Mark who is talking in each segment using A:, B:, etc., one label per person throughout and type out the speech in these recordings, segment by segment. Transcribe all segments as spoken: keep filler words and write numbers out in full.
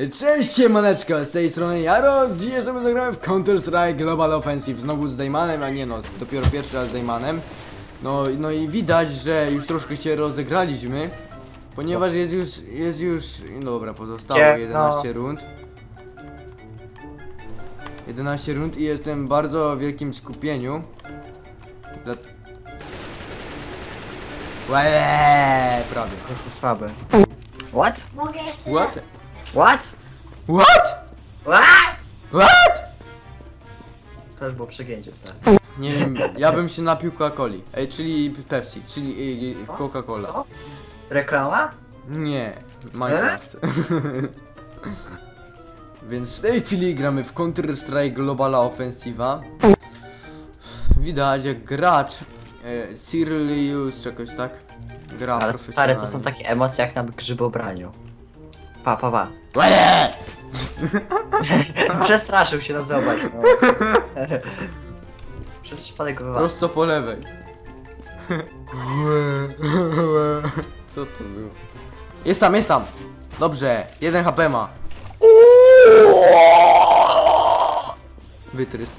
A: Cześć siemaneczko, z tej strony Jaros. Dzisiaj sobie zagramy w Counter-Strike Global Offensive. Znowu z Daymanem, a nie no, dopiero pierwszy raz z Daymanem. No, no i widać, że już troszkę się rozegraliśmy, ponieważ jest już, jest już, no dobra, pozostało jedenaście rund. jedenaście rund i jestem w bardzo wielkim skupieniu. Dla... Łeee, prawie.
B: To jest słabe. What?
C: Mogę jeszcze
A: What?
B: What?
A: What?
B: What?
A: What?
B: To już było przegięcie, stary.
A: Nie wiem, ja bym się napił Coca-Coli. Ej, czyli Pepsi, czyli y, y, Coca-Cola.
B: Co? Reklama?
A: Nie, Minecraft. Więc w tej chwili gramy w Counter-Strike Global Offensive'a. Widać jak gracz e, Sirius, jakoś tak gra.
B: Ale stary, to są takie emocje jak na grzybobraniu. Pa, pa, pa.
A: Łeee!
B: Przestraszył się, no zobacz, no. Przez przypadek go wywalił.
A: Prosto po lewej. Co to było? Jest tam, jest tam! Dobrze, jeden H P ma. Wytrysk.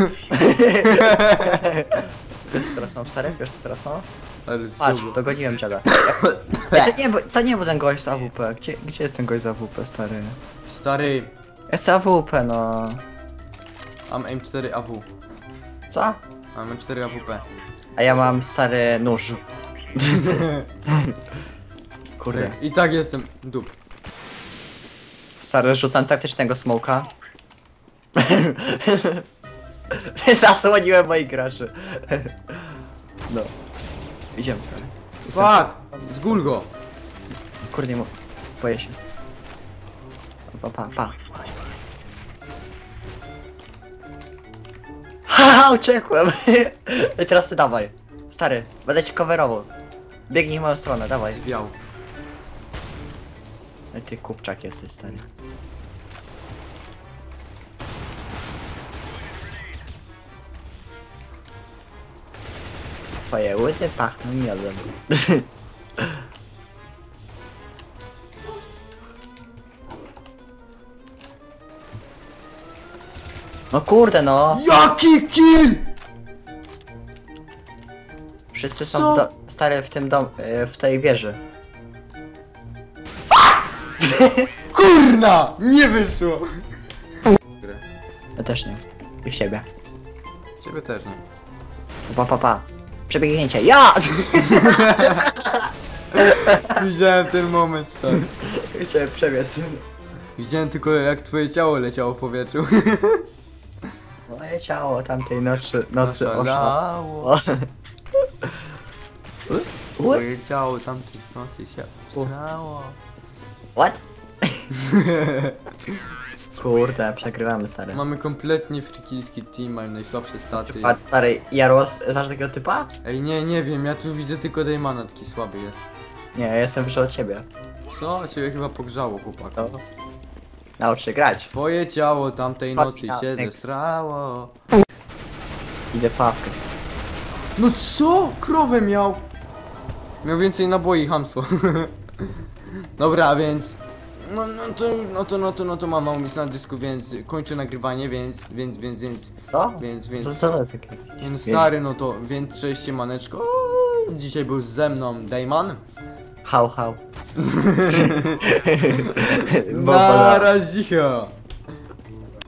B: Wiesz co teraz mam, stary? Wiesz co teraz mam?
A: Ale
B: Patrz,
A: super.
B: dogoniłem dziada. Ej, to nie, bo- to nie był ten gość z A W P. Gdzie, gdzie jest ten gość z A W P, stary?
A: Stary,
B: Ja chcę A W P, no.
A: mam M cztery A W.
B: Co?
A: Mam M cztery A W P.
B: A ja mam stary nóż. Kurde.
A: I tak jestem dup.
B: Stary, rzucam taktycznego smoka. Zasłoniłem moich graczy. No. Idziemy, stary.
A: Fuck! Zgul go!
B: Kurde, nie mo... Boję się. Pa, pa, pa. Haha, uciekłem! I teraz ty dawaj. Stary, będę cię coverował. Biegnij w moją stronę, dawaj.
A: Zwiał.
B: Ej, ty kupczak jesteś, stary. Twoje łyty pachną miodem. No kurde no!
A: Jaki kill!
B: Wszyscy
A: Co?
B: są w do... stary w tym dom... e, w tej wieży.
A: Kurna! Nie wyszło!
B: Ja też nie. I w siebie.
A: Ciebie też nie.
B: Pa pa pa. Przebiegnięcie. Ja!
A: Widziałem ten moment, stary.
B: Chciałem przebiec.
A: Widziałem tylko jak twoje ciało leciało w powietrzu.
B: Moje ciało tamtej nocy... nocy
A: Oszalało.
B: O.
A: Twoje ciało tamtej nocy się obstrało.
B: What? Kurde, przegrywamy, stary.
A: Mamy kompletnie frikilski team, mają najsłabsze staty.
B: A stary, Jaros, znasz takiego typa?
A: Ej, nie, nie wiem, ja tu widzę tylko Daymana, taki słaby jest.
B: Nie, ja jestem wyższy od ciebie.
A: Co? Ciebie chyba pogrzało, chłopak.
B: No. Naucz się grać.
A: Twoje ciało tamtej
B: Chodź,
A: nocy
B: ja,
A: się
B: next.
A: zesrało.
B: Idę pawkę.
A: No co? Krowę miał! Miał więcej naboi, chamstwo. Dobra, więc... No, no to, no to, no to, no to mam mało miejsca na dysku, więc kończę nagrywanie, więc, więc, więc, więc,
B: Co?
A: więc,
B: Co
A: więc...
B: to jest takie?
A: Nie no stary, no to, więc cześć siemaneczko. Dzisiaj był ze mną Dayman.
B: Hał, hał.
A: Na razie.